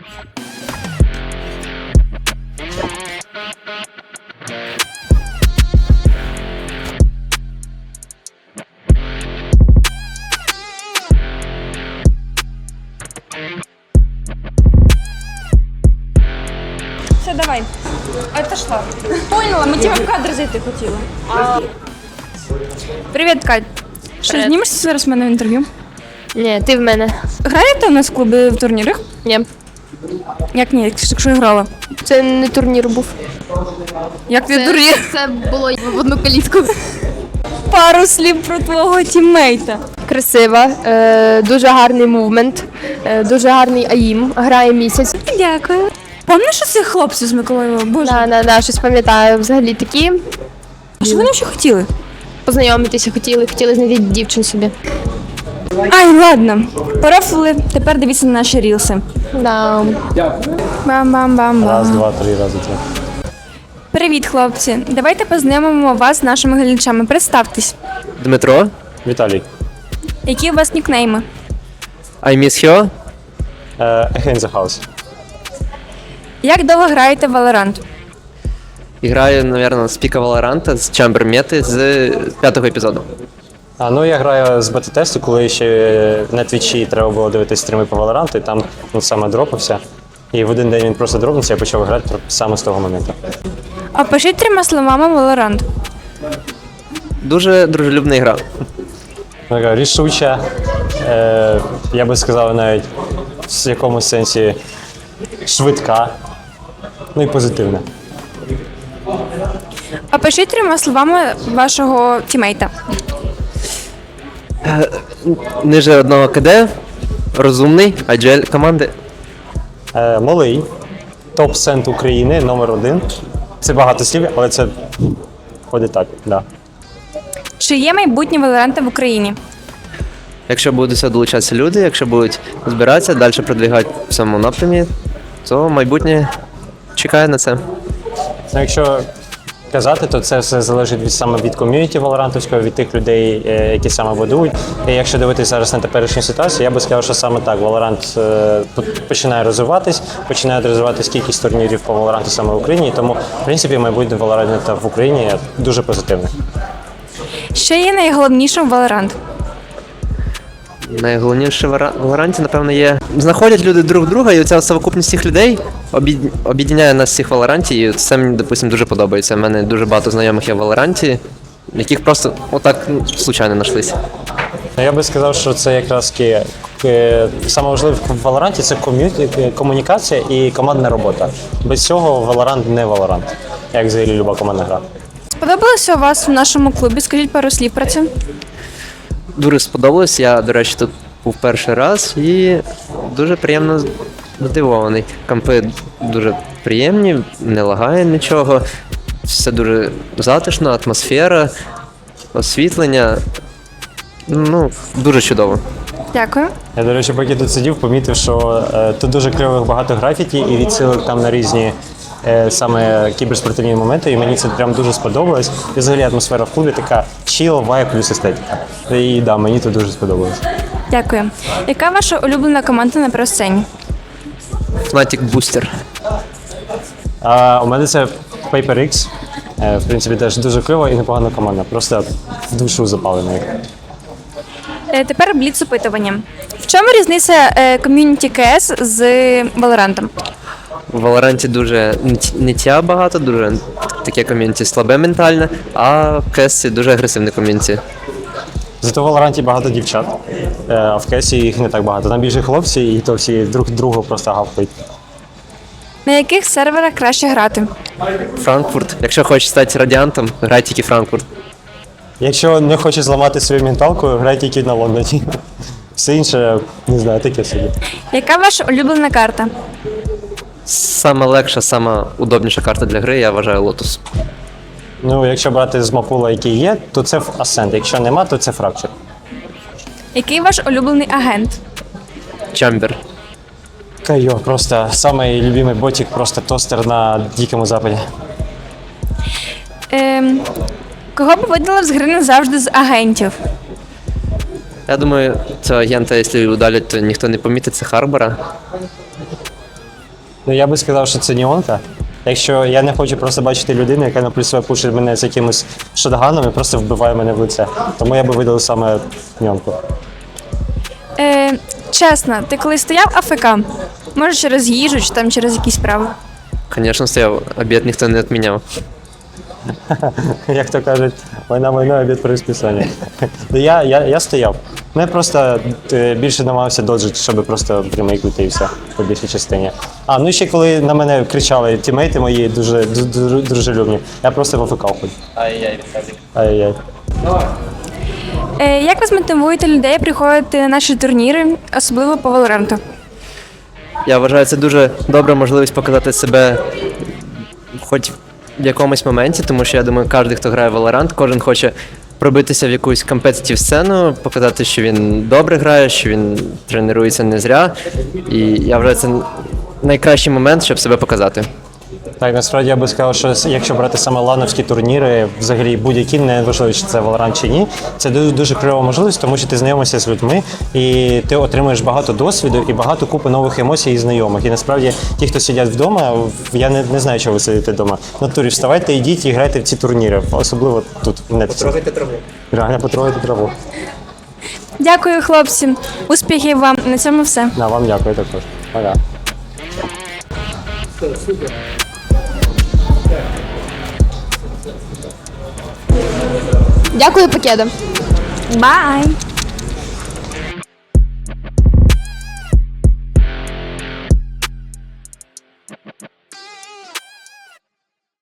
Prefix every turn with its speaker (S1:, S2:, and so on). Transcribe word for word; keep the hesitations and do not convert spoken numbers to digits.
S1: Все, давай. Отошла. Поняла, ми тебе в кадр зайти хотіли. А... Привіт, Кать. Що,
S2: Привіт.
S1: знімешся зараз в мене в інтерв'ю?
S2: Ні, ти в мене.
S1: Граєте у нас в клубі в турнірах?
S2: Ні.
S1: Як ні, якщо я грала?
S2: Це не турнір був.
S1: Як ти турнір?
S2: Це було в одну калітку.
S1: Пару слів про твого тіммейта.
S2: Красива, е, дуже гарний мувмент, е, дуже гарний аїм, грає місяць.
S1: Дякую. Пам'ятаєш цих хлопців з Миколаєва? Боже,
S2: Да, да, да, щось пам'ятаю. Взагалі такі.
S1: а що вони ще хотіли?
S2: Познайомитися хотіли, хотіли знайти дівчин собі.
S1: Ай, ладно. Порофли, тепер дивіться на наші рілси.
S2: Да.
S1: Бам-бам-бам-бам.
S3: Раз, два, три, рази три.
S1: Привіт, хлопці. Давайте познайомимо вас з нашими глядачами. Представтесь.
S4: Дмитро,
S3: Віталій.
S1: Які у вас нікнейми?
S4: I miss you.
S3: Е, Again the House.
S1: Як довго граєте в Valorant?
S4: Граю, мабуть, з піка Валоранта, з Chamber Мети, з п'ятого епізоду.
S3: А, ну я граю з бета-тесту, коли ще на твічі треба було дивитися стріми по Valorant, і там ну, саме дропався. І в один день він просто дропнувся, я почав грати саме з того моменту.
S1: А пишіть трьома словами Valorant.
S4: Дуже дружелюбна гра.
S3: Така рішуча, е, я би сказав навіть в якомусь сенсі швидка, ну і позитивна.
S1: А пишіть трьома словами вашого тімейта.
S4: Ниже одного КД, розумний, аджель команди.
S3: Е, малий, топ-сент України, номер один. Це багато слів, але це ходить так, да.
S1: Чи є майбутнє Valorant в Україні?
S4: Якщо будуть сюди долучатися люди, якщо будуть збиратися, далі продвигати в цьому напрямі, то майбутнє чекає на це.
S3: Ну, якщо казати, то це все залежить від саме від ком'юніті Валорантовського, від тих людей, е, які саме будують. І якщо дивитися зараз на теперішню ситуацію, я би сказав, що саме так Valorant е, починає розвиватись, починає розвиватись кількість турнірів по Valorant саме в Україні. Тому, в принципі, майбутнє Valorant в Україні дуже позитивне.
S1: Що є найголовнішим в Valorant?
S4: Найголовніше в Вара- Валоранті, напевно, є. Знаходять люди друг друга, і оця совокупність цих людей об'єд- об'єднає нас всіх в Валоранті, і це мені, допустим, дуже подобається. У мене дуже багато знайомих є в Валоранті, яких просто отак ну, случайно знайшлися.
S3: Ну, я би сказав, що це якраз таки е, саме важливе в Valorant – це ком'ю- комунікація і командна робота. Без цього Valorant не Valorant, як взагалі люба командна гра.
S1: Сподобалося у вас в нашому клубі? Скажіть пару слів про це.
S4: Дуже сподобалось. Я, до речі, тут був перший раз і дуже приємно здивований. Кампи дуже приємні, не лагає нічого. Все дуже затишно, атмосфера, освітлення. Ну, дуже чудово.
S1: Дякую.
S3: Я, до речі, поки тут сидів, помітив, що е, тут дуже кривих багато графіті і відсилок там на різні е, саме кіберспортивні моменти, і мені це прям дуже сподобалось. І взагалі атмосфера в клубі така чіл, вайб плюс естетика. І да, мені тут дуже сподобалось.
S1: Дякую. Яка ваша улюблена команда на просцені?
S4: Fnatic Booster.
S3: А у мене це PaperX. Е, в принципі, теж дуже кльова і непогана команда. Просто в душу запалена.
S1: Е, Тепер бліц опитування. В чому різниця е, ком'юніті КС з Valorant?
S4: В Валоранті дуже ниття- ниття багато, дуже таке ком'юніті слабе ментальне, а в Кесці дуже агресивне ком'юніті.
S3: Зато в Валоранті багато дівчат, е, а в Кесі їх не так багато. Там більше хлопці, і то всі друг другу просто гавкають.
S1: На яких серверах краще грати?
S4: Франкфурт. Якщо хочеш стати радіантом, грай тільки Франкфурт.
S3: Якщо не хочеш зламати свою менталку, грай тільки на Лондоні. Все інше, не знаю, таке собі.
S1: Яка ваша улюблена карта?
S4: Сама легша, сама удобніша карта для гри, я вважаю Lotus.
S3: Ну, якщо брати з мапула, який є, то це Ascent. Якщо нема, то це Fracture.
S1: Який ваш улюблений агент?
S4: Чамбер.
S3: Кайо, просто самий любимий ботик, просто тостер на Дикому Западі.
S1: Ем, кого б видалив з гри назавжди з агентів?
S4: Я думаю, цього агента, якщо удалять, то ніхто не помітить, це Харбора.
S3: Ну я би сказав, що це Ніонка. Якщо я не хочу просто бачити людину, яка наприклад себе пушить мене з якимось шотганом і просто вбиває мене в лице. Тому я би видалив саме Ніонку.
S1: Е, чесно, ти коли стояв АФК? Може через їжу чи там через якісь справи?
S4: Звісно, стояв, обід ніхто не відміняв.
S3: Як то кажуть, війна війна, обід при розписанні. Ну, я, я, я стояв. Ну, я просто е, більше намагався доджити, щоб просто примейкнути і все по більшій частині. А, ну і ще коли на мене кричали тімейти мої дуже ду- ду- дружелюбні, я просто в АФК ходив. Ай-яй, Ай-яй.
S1: Е, як ви змотивуєте людей приходити на наші турніри, особливо по Valorant?
S4: Я вважаю, це дуже добра можливість показати себе хоч в якомусь моменті, тому що я думаю, кожен, хто грає в Valorant, кожен хоче пробитися в якусь компетитив сцену, показати, що він добре грає, що він тренується не зря. І я вважаю, це найкращий момент, щоб себе показати.
S3: Так, насправді я би сказав, що якщо брати саме лановські турніри, взагалі будь-які, не важливо, чи це Valorant чи ні, це дуже, дуже кльова можливість, тому що ти знайомишся з людьми і ти отримуєш багато досвіду і багато купи нових емоцій і знайомих. І насправді ті, хто сидять вдома, я не, не знаю, чого ви сидите вдома. В натурі вставайте, йдіть і грайте в ці турніри, особливо тут в Нетфліксі. Потрогайте траву. Реально потрогайте траву.
S1: Дякую, хлопці. Успіхів вам. На цьому все.
S3: На, вам дякую також. Пока.
S2: Дякую, Покеда.
S1: Бай!